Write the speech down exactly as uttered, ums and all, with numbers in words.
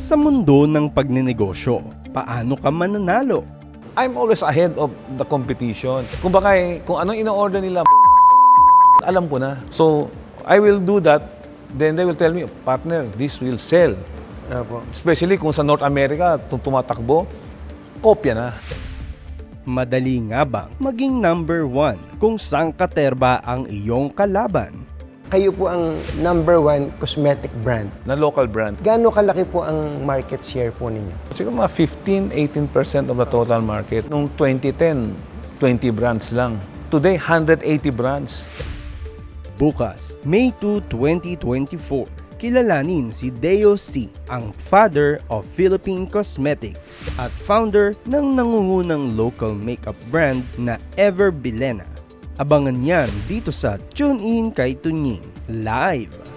Sa mundo ng pagninegosyo, paano ka mananalo? I'm always ahead of the competition. Kung baka eh, kung anong ino-order nila, alam ko na. So, I will do that. Then they will tell me, partner, this will sell. Opo. Especially kung sa North America, tum- tumatakbo, kopya na. Madali nga bang maging number one kung saan katerba ang iyong kalaban? Kayo po ang number one cosmetic brand. Na local brand. Gaano kalaki po ang market share po ninyo? Siguro mga fifteen to eighteen percent of the total market. Noong twenty ten, twenty brands lang. Today, one hundred eighty brands. Bukas, May two, twenty twenty-four, kilalanin si Deo C, ang father of Philippine Cosmetics at founder ng nangungunang local makeup brand na Ever Bilena. Abangan yan dito sa Tune In kay Tunying Live.